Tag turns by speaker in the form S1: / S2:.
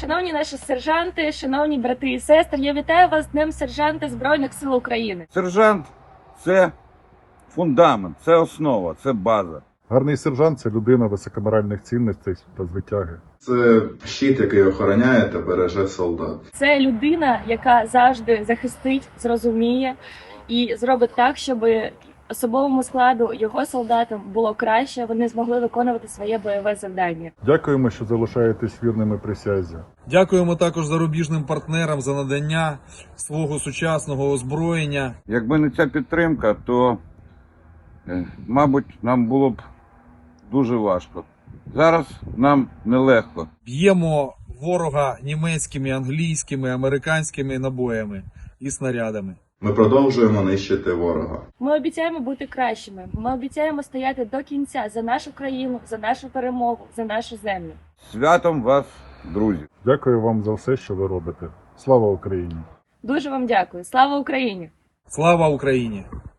S1: Шановні наші сержанти, шановні брати і сестри, я вітаю вас з Днем сержанта Збройних сил України.
S2: Сержант – це фундамент, це основа, це база.
S3: Гарний сержант – це людина високоморальних цінностей та звитяги.
S4: Це щит, який охороняє та береже солдат.
S1: Це людина, яка завжди захистить, зрозуміє і зробить так, щоб особовому складу, його солдатам було краще, вони змогли виконувати своє бойове завдання.
S3: Дякуємо, що залишаєтесь вірними присязі.
S5: Дякуємо також зарубіжним партнерам за надання свого сучасного озброєння.
S2: Якби не ця підтримка, то, мабуть, нам було б дуже важко. Зараз нам нелегко.
S5: Б'ємо ворога німецькими, англійськими, американськими набоями і снарядами.
S4: Ми продовжуємо нищити ворога.
S1: Ми обіцяємо бути кращими, ми обіцяємо стояти до кінця за нашу країну, за нашу перемогу, за нашу землю.
S2: Святом вас, друзі!
S3: Дякую вам за все, що ви робите. Слава Україні!
S1: Дуже вам дякую. Слава Україні!
S5: Слава Україні!